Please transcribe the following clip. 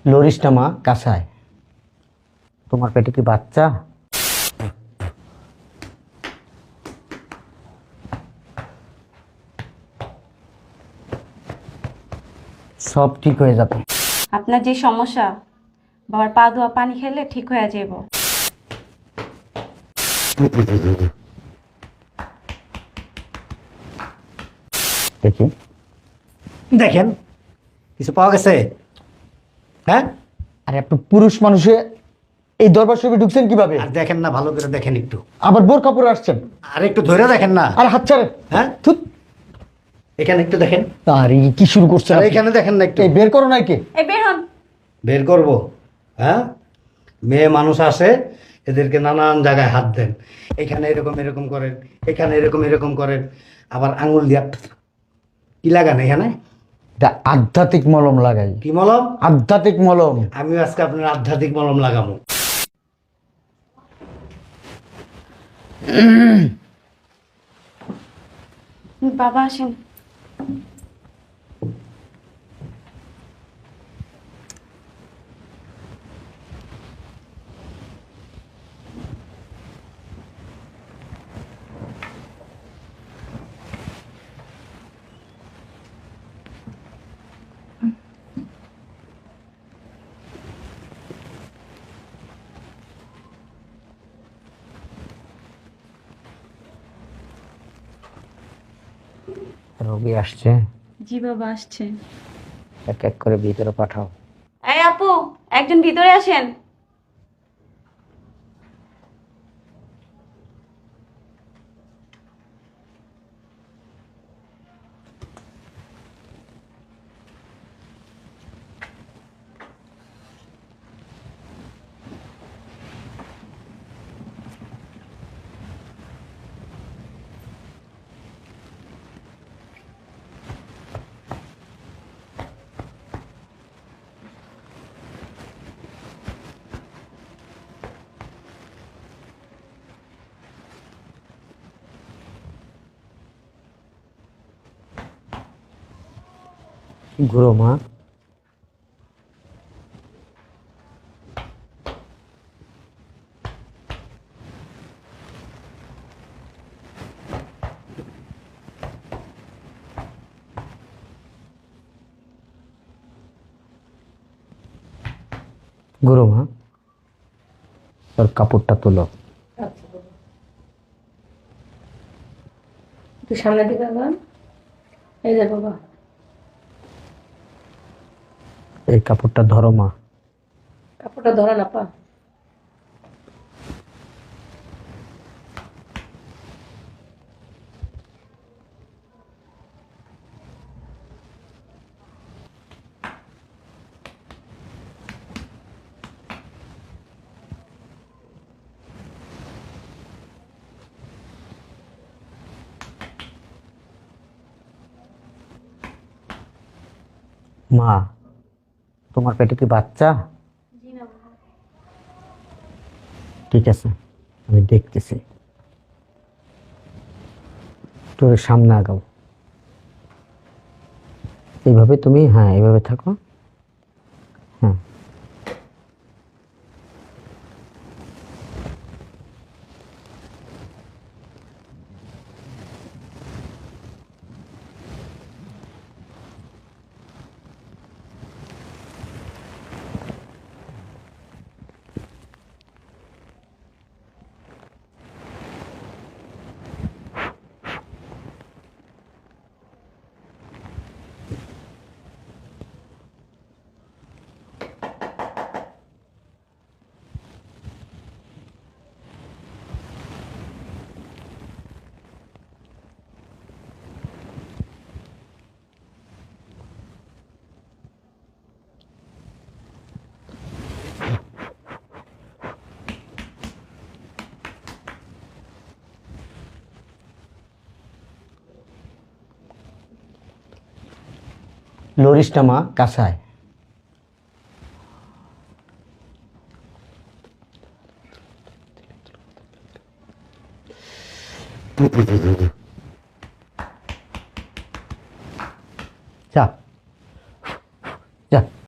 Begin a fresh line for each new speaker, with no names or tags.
লরিসটা মা কাঁসায়। তোমার পেটে কি বাচ্চা? সব ঠিক হয়ে যাবে।
আপনার যে সমস্যা, বাবার পা ধোয়া পানি খেলে ঠিক হয়ে যাব।
দেখি।
দেখেন কিছু পাওয়া গেছে? হ্যাঁ,
আরে আপনি পুরুষ মানুষে এই দরবার শরীফে ঢুকছেন কিভাবে?
আর দেখেন না, ভালো করে দেখেন একটু,
আবার বোর কাপড়ে আসছেন।
আর একটু ধরে দেখেন না।
আর হাত ছাড়েন।
হ্যাঁ,
থুত।
এখানে একটু দেখেন,
আর এই কি শুরু করছেন
আর
আপনি?
এখানে দেখেন না একটু।
এই বের করো নাই কে?
এই বের হন।
বের করব? হ্যাঁ, মেয়ে মানুষ আসে, এদেরকে নানান জায়গায় হাত দেন, এখানে এরকম এরকম করেন, এখানে এরকম এরকম করেন, আবার আঙুল দিয়া কি লাগান এখানে?
এটা আধ্যাত্মিক মলম লাগাই।
কি মলম?
আধ্যাত্মিক মলম।
আমি আজকে আপনার আধ্যাত্মিক মলম লাগাবো।
বাবা আসেন।
রোগী আসছে,
জি বাবা আসছে।
এক এক করে ভিতরে পাঠাও।
এই আপু, একজন ভিতরে আসেন।
ঘুরো মা। ঘুরো মা, তোর কাপড়টা তোলো।
একটু সামনে দিকে বাবা। এই যে বাবা।
এই কাপড়টা ধরো মা।
কাপড়টা ধরা না পা।
মা, তোমার পেটে কি বাচ্চা? ঠিক আছে, আমি দেখতেছি। তোর সামনে আগাও। এইভাবে তুমি, হ্যাঁ এইভাবে থাকো। হ্যাঁ, লরিসটা মা কাঁসায়। যা, যা।